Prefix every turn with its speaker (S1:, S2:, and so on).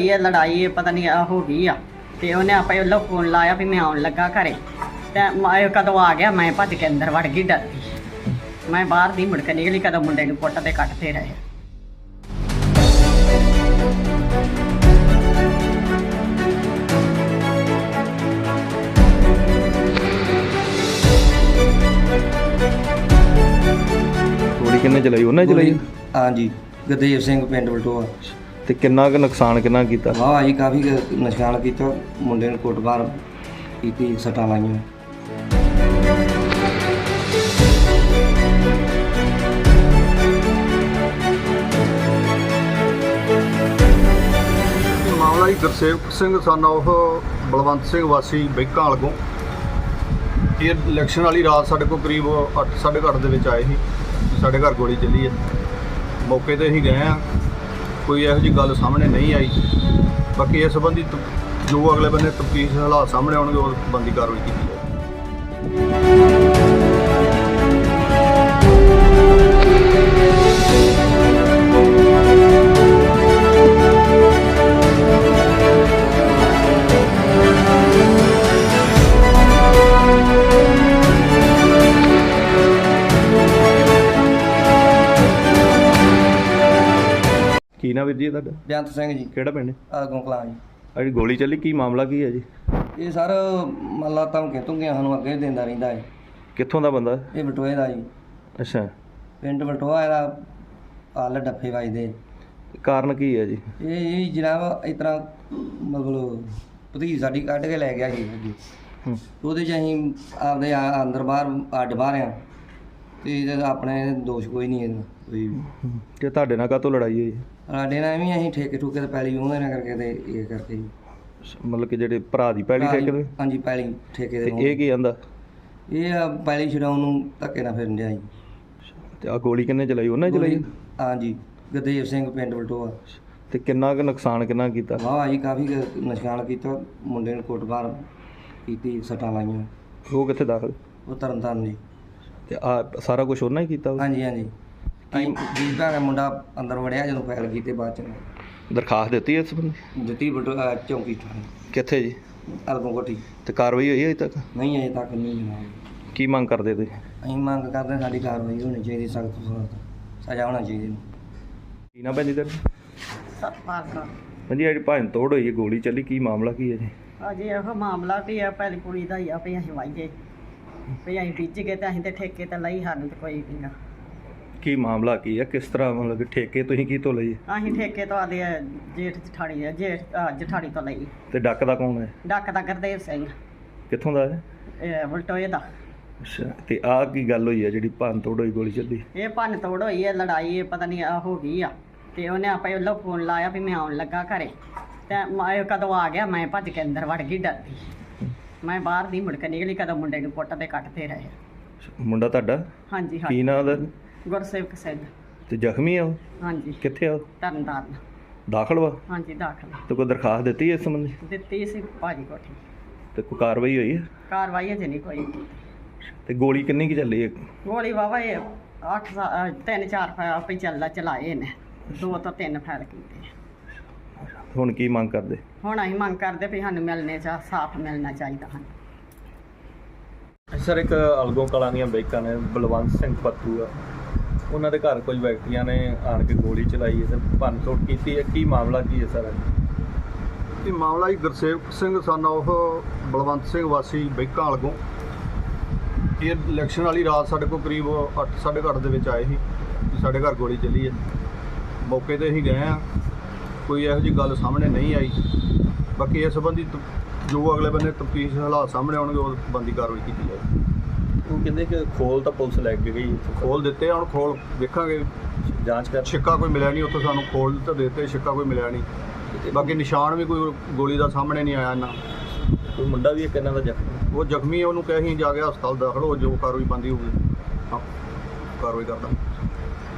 S1: ਹੈ ਲੜਾਈ ਪਤਾ ਨਹੀਂ ਆ ਹੋ ਗਈ ਆ ਤੇ ਉਹਨੇ ਆਪੇ ਵੱਲੋਂ ਫੋਨ ਲਾਇਆ ਵੀ ਮੈਂ ਆਉਣ ਲੱਗਾ ਘਰੇ ਤੇ ਮੈਂ ਕਦੋਂ ਆ ਗਿਆ ਮੈਂ ਭੱਜ ਕੇ ਅੰਦਰ ਵੜ ਗਈ ਡਰਦੀ ਮੈਂ ਬਾਹਰ ਦੀ ਮੁੜ ਕੇ ਨਿਕਲੀ ਕਦੋਂ ਮੁੰਡੇ ਨੂੰ ਕੁੱਟ ਤੇ ਕੱਟਦੇ ਰਹੇ।
S2: ਗੋਲੀ ਕਿੰਨੇ ਚਲਾਈ? ਉਹਨੇ ਚਲਾਈ?
S3: ਹਾਂਜੀ, ਗੁਰਦੇਵ ਸਿੰਘ ਪਿੰਡ ਬਲਟੋਆ।
S2: ਤੇ ਕਿੰਨਾ ਕੁ ਨੁਕਸਾਨ ਕਿੰਨਾ ਕੀਤਾ?
S3: ਵਾਹ ਜੀ ਕਾਫੀ ਨੁਕਸਾਨ ਕੀਤਾ, ਮੁੰਡੇ ਨੂੰ ਕੁੱਟਮਾਰ ਕੀਤੀ, ਸੱਟਾਂ ਲਾਈਆਂ।
S4: ਮਾਮਲਾ ਜੀ ਗੁਰਸੇਵਕ ਸਿੰਘ ਸਨ ਉਹ ਬਲਵੰਤ ਸਿੰਘ ਵਾਸੀ ਬੈਂਕਾਂ ਵਾਲਗੋਂ। ਇਹ ਇਲੈਕਸ਼ਨ ਵਾਲੀ ਰਾਤ ਸਾਡੇ ਕੋਲ ਕਰੀਬ 8:30 ਦੇ ਵਿੱਚ ਆਏ ਸੀ, ਸਾਡੇ ਘਰ ਗੋਲੀ ਚੱਲੀ ਹੈ। ਮੌਕੇ ਤੇ ਅਸੀਂ ਗਏ ਹਾਂ, ਕੋਈ ਇਹੋ ਜਿਹੀ ਗੱਲ ਸਾਹਮਣੇ ਨਹੀਂ ਆਈ। ਬਾਕੀ ਇਸ ਸੰਬੰਧੀ ਜੋ ਅਗਲੇ ਬੰਨੇ ਤਫਤੀਸ਼ ਹਾਲਾਤ ਸਾਹਮਣੇ ਆਉਣਗੇ ਉਹ ਬੰਦੀ ਕਾਰਵਾਈ ਕੀਤੀ ਜਾਏਗੀ।
S2: ਕੀ ਨਾ ਵੀਰ ਜੀ ਤੁਹਾਡਾ?
S3: ਬੇਅੰਤ ਸਿੰਘ ਜੀ,
S2: ਕਿਹੜਾ ਪਿੰਡ?
S3: ਆਗੋਂ ਕਲਾਂ ਜੀ।
S2: ਆ ਜਿਹੜੀ ਗੋਲੀ ਚੱਲੀ ਕੀ ਮਾਮਲਾ ਕੀ ਹੈ ਜੀ?
S3: ਇਹ ਸਰ ਮੱਲਾ ਧਮਕੀਆਂ ਧਮਕੀਆਂ ਸਾਨੂੰ ਅੱਗੇ ਦਿੰਦਾ ਰਹਿੰਦਾ ਹੈ।
S2: ਕਿੱਥੋਂ ਦਾ ਬੰਦਾ?
S3: ਇਹ ਬਲਟੋਏ ਦਾ ਜੀ,
S2: ਅੱਛਾ।
S3: ਪਿੰਡ ਬਲਟੋਆ। ਇਹਦਾ ਹੱਲ ਡੱਫੇ ਵੱਜਦੇ।
S2: ਕਾਰਨ ਕੀ ਹੈ ਜੀ?
S3: ਇਹ ਜਨਾਬ ਇਸ ਤਰ੍ਹਾਂ ਮਤਲਬ ਭਤੀਜ ਸਾਡੀ ਕੱਢ ਕੇ ਲੈ ਗਿਆ ਜੀ ਅੱਗੇ। ਉਹਦੇ 'ਚ ਅਸੀਂ ਆਪਦੇ ਅੰਦਰ ਬਾਹਰ ਅੱਡ ਬਾਹਰ ਆ ਤੇ ਇਹਦਾ ਆਪਣੇ ਦੋਸ਼ ਕੋਈ ਨਹੀਂ ਇਹਦਾ ਕੋਈ।
S2: ਤੇ ਤੁਹਾਡੇ ਨਾਲ ਕਾਹਤੋਂ ਲੜਾਈ ਹੋਈ?
S3: ਸਾਡੇ ਨਾਲ ਵੀ ਅਸੀਂ ਠੇਕੇ ਠੂਕੇ ਤੇ ਪੈਲੀ ਉਹਦੇ ਨਾਲ ਕਰਕੇ ਤੇ ਇਹ ਕਰਕੇ ਜੀ।
S2: ਮਤਲਬ ਕਿ ਜਿਹੜੇ ਭਰਾ ਦੀ ਪੈਲੀ ਠੇਕੇ ਤੇ?
S3: ਹਾਂਜੀ, ਪੈਲੀ ਠੇਕੇ
S2: ਤੇ
S3: ਦੇ।
S2: ਇਹ ਕੀ ਆਂਦਾ?
S3: ਇਹ ਪੈਲੀ ਛਡਾਉਣ ਨੂੰ ਧੱਕੇ ਨਾਲ ਫਿਰਨ ਡਿਆ ਜੀ।
S2: ਤੇ ਆ ਗੋਲੀ ਕਿੰਨੇ ਚਲਾਈ? ਉਹਨੇ ਚਲਾਈ?
S3: ਹਾਂਜੀ, ਗੁਰਦੇਵ ਸਿੰਘ ਪਿੰਡ ਬਲਟੋਆ।
S2: ਤੇ ਕਿੰਨਾ ਕੁ ਨੁਕਸਾਨ ਕਿੰਨਾ ਕੀਤਾ?
S3: ਵਾਹ ਜੀ ਕਾਫੀ ਨੁਕਸਾਨ ਕੀਤਾ, ਮੁੰਡੇ ਨੂੰ ਕੁੱਟਮਾਰ ਕੀਤੀ, ਸੱਟਾਂ ਲਾਈਆਂ।
S2: ਉਹ ਕਿੱਥੇ ਦਾਖਲ?
S3: ਉਹ ਤਰਨਤਾਰਨ ਜੀ।
S2: ਤੇ ਆ ਸਾਰਾ ਕੁਝ ਉਹਨਾਂ ਹੀ ਕੀਤਾ?
S3: ਹਾਂਜੀ ਹਾਂਜੀ, ਜੀ ਭੈਣ ਮੁੰਡਾ ਅੰਦਰ ਵੜਿਆ ਜਦੋਂ ਫੈਲ ਗਈ ਤੇ ਬਾਅਦ ਚ
S2: ਦਰਖਾਸਤ ਦਿੱਤੀ ਇਸ ਸੰਬੰਧੀ?
S3: ਦਿੱਤੀ ਬਲਟੋਆ ਚੌਂਕੀ ਥਾਣੇ
S2: ਕਿੱਥੇ ਜੀ?
S3: ਅਲਗੋਂ ਕੋਠੀ।
S2: ਤੇ ਕਾਰਵਾਈ ਹੋਈ ਹੈ ਅਜੇ ਤੱਕ?
S3: ਨਹੀਂ ਅਜੇ ਤੱਕ ਨਹੀਂ ਜਨਾਬ।
S2: ਕੀ ਮੰਗ ਕਰਦੇ ਤੁਸੀਂ?
S3: ਅਸੀਂ ਮੰਗ ਕਰਦੇ ਹਾਂ ਸਾਡੀ ਕਾਰਵਾਈ ਹੋਣੀ ਚਾਹੀਦੀ, ਸਖਤ ਤੋਂ ਸਖਤ ਸਜ਼ਾ ਹੋਣਾ ਚਾਹੀਦੀ।
S2: ਕੀ ਨਾ ਭੈਣ ਜੀ ਤੇਰਾ?
S1: ਸਤਪਾਲ ਕੌਰ।
S2: ਹਾਂਜੀ, ਜਿਹੜੀ ਭੰਨ ਤੋੜ ਹੋਈ ਹੈ, ਗੋਲੀ ਚੱਲੀ, ਕੀ ਮਾਮਲਾ ਕੀ ਹੈ ਜੀ?
S1: ਅਜੇ ਇਹੋ ਮਾਮਲਾ ਵੀ ਆ ਪਹਿਲੀ ਕੁੜੀ ਦਾ ਹੀ ਆ ਵੀ ਅਸੀਂ ਵਾਈਏ ਵੀ ਅਸੀਂ ਬੀਜ ਗਏ ਤੇ ਅਸੀਂ ਤੇ ਠੇਕੇ ਤੇ ਲਈ, ਸਾਨੂੰ ਤੇ ਕੋਈ ਨਹੀਂ ਗਾ।
S2: ਕੀ ਮਾਮਲਾ ਕੀ ਹੈ? ਕਿਸ ਤਰ੍ਹਾਂ ਮਤਲਬ ਕਿ ਠੇਕੇ ਤੁਸੀਂ ਕੀ ਤੋਂ ਲਈ?
S1: ਅਸੀਂ ਠੇਕੇ ਤੋਂ ਆਦੇ ਜੇਠ ਜਠਾਣੀ ਆ ਜਠਾਣੀ ਤੋਂ ਲਈ।
S2: ਤੇ ਡੱਕ ਦਾ ਕੌਣ ਹੈ?
S1: ਡੱਕ ਦਾ ਗੁਰਦੇਵ ਸਿੰਘ,
S2: ਕਿੱਥੋਂ ਦਾ ਹੈ?
S1: ਇਹ ਬਲਟੋਏ ਦਾ।
S2: ਅੱਛਾ। ਤੇ ਆਹ ਕੀ ਗੱਲ ਹੋਈ ਹੈ ਜਿਹੜੀ ਭੰਨ ਤੋੜ ਹੋਈ, ਗੋਲੀ ਚੱਲੀ?
S1: ਇਹ ਭੰਨ ਤੋੜ ਹੋਈ ਹੈ ਲੜਾਈ ਪਤਾ ਨਹੀਂ ਆ ਹੋ ਗਈ ਆ ਤੇ ਉਹਨੇ ਆਪੇ ਵੱਲੋਂ ਫੋਨ ਲਾਇਆ ਵੀ ਮੈਂ ਆਉਣ ਲੱਗਾ ਘਰੇ ਤੇ ਮੈਂ ਕਦੋਂ ਆ ਗਿਆ ਮੈਂ ਭੱਜ ਕੇ ਅੰਦਰ ਵੜ ਗਈ ਡਰਦੀ ਮੈਂ ਬਾਹਰ ਦੀ ਮੁੜ ਕੇ ਨਿਕਲੀ ਕਦੋਂ ਮੁੰਡੇ ਨੂੰ ਕੁੱਟ ਤੇ ਕੱਟਦੇ ਰਹੇ।
S2: ਮੁੰਡਾ ਤੁਹਾਡਾ?
S1: ਹਾਂਜੀ
S2: ਕੀ
S1: ਹਾਂਜੀ,
S2: ਨਾਂ ਉਹਦਾ?
S1: ਗੁਰਸੇਵਕ ਸਿੰਘ।
S2: ਤੇ ਜ਼ਖਮੀ ਆ ਉਹ?
S1: ਹਾਂਜੀ,
S2: ਕਿੱਥੇ ਆ ਉਹ?
S1: ਤਰਨਤਾਰਨ।
S2: ਦਾਖਲ ਵਾ?
S1: ਹਾਂਜੀ, ਦਾਖਲ
S2: ਤੇ ਕੋਈ ਦਰਖਾਸਤ ਦਿੱਤੀ ਇਸ ਸੰਬੰਧੀ?
S1: ਦਿੱਤੀ ਸੀ ਭਾਜੀ ਕੋਠੀ।
S2: ਤੇ ਕੋਈ ਕਾਰਵਾਈ ਹੋਈ ਹੈ?
S1: ਕਾਰਵਾਈ ਅਜੇ ਨਹੀਂ ਕੋਈ।
S2: ਤੇ ਗੋਲੀ ਕਿੰਨੀ ਕੀ ਚੱਲੀ ਹੈ?
S1: ਗੋਲੀ ਵਾਵਾ ਇਹ 3-4 ਫੈਲ ਚਲਾਏ ਨੇ, 2 ਤੋਂ 3 ਫੈਲ ਕੀਤੇ।
S2: ਹੁਣ ਕੀ ਮੰਗ ਕਰਦੇ?
S1: ਹੁਣ ਅਸੀਂ ਮੰਗ ਕਰਦੇ ਵੀ ਸਾਨੂੰ ਸਾਫ਼ ਮਿਲਣਾ ਚਾਹੀਦਾ ਹਨ।
S2: ਸਰ, ਇੱਕ ਅਲਗੋਂ ਕਲਾਂ ਦੀਆਂ ਬੈਕਾਂ ਨੇ, ਬਲਵੰਤ ਸਿੰਘ ਪੱਤੂ ਆ, ਉਹਨਾਂ ਦੇ ਘਰ ਕੁਝ ਵਿਅਕਤੀਆਂ ਨੇ ਆਣ ਕੇ ਗੋਲੀ ਚਲਾਈ ਹੈ ਤੇ ਭੰਨ ਤੋੜ ਕੀਤੀ ਹੈ। ਕੀ ਮਾਮਲਾ ਕੀ ਹੈ ਸਰ?
S4: ਇਹ ਮਾਮਲਾ ਜੀ ਗੁਰਸੇਵਕ ਸਿੰਘ ਸਨ ਉਹ ਬਲਵੰਤ ਸਿੰਘ ਵਾਸੀ ਬੈਂਕਾਂ ਵਾਲਗੋਂ। ਇਹ ਇਲੈਕਸ਼ਨ ਵਾਲੀ ਰਾਤ ਸਾਡੇ ਕੋਲ ਕਰੀਬ 8:30 ਦੇ ਵਿੱਚ ਆਏ ਸੀ, ਸਾਡੇ ਘਰ ਗੋਲੀ ਚੱਲੀ ਹੈ। ਮੌਕੇ ਤੇ ਅਸੀਂ ਗਏ ਹਾਂ, ਕੋਈ ਇਹੋ ਜਿਹੀ ਗੱਲ ਸਾਹਮਣੇ ਨਹੀਂ ਆਈ। ਬਾਕੀ ਇਸ ਸੰਬੰਧੀ ਜੋ ਅਗਲੇ ਬੰਨੇ ਤਫਤੀਸ਼ ਹਾਲਾਤ ਸਾਹਮਣੇ ਆਉਣਗੇ ਉਹ ਬੰਦੀ ਕਾਰਵਾਈ ਕੀਤੀ ਜਾਏਗੀ।
S2: ਉਹ ਕਹਿੰਦੇ ਕਿ ਖੋਲ ਤਾਂ ਪੁਲਿਸ ਲੈ ਕੇ ਗਈ,
S4: ਖੋਲ ਦਿੱਤੇ, ਹੁਣ ਖੋਲ ਵੇਖਾਂਗੇ,
S2: ਜਾਂਚ ਕਰ।
S4: ਛਿੱਕਾ ਕੋਈ ਮਿਲਿਆ ਨਹੀਂ ਉੱਥੋਂ, ਸਾਨੂੰ ਖੋਲ ਤਾਂ ਦਿੱਤੇ, ਛਿੱਕਾ ਕੋਈ ਮਿਲਿਆ ਨਹੀਂ। ਬਾਕੀ ਨਿਸ਼ਾਨ ਵੀ ਕੋਈ ਗੋਲੀ ਦਾ ਸਾਹਮਣੇ ਨਹੀਂ ਆਇਆ ਨਾ।
S2: ਕੋਈ ਮੁੰਡਾ ਵੀ ਇੱਕ ਇਹਨਾਂ ਦਾ ਜ਼ਖਮੀ?
S4: ਉਹ ਜ਼ਖਮੀ, ਉਹਨੂੰ ਕਹੇ ਅਸੀਂ ਜਾ ਕੇ ਹਸਪਤਾਲ ਦਾਖਲ ਹੋ, ਜੋ ਕਾਰਵਾਈ ਬੰਦੀ ਹੋਊਗੀ ਕਾਰਵਾਈ ਕਰਦਾ।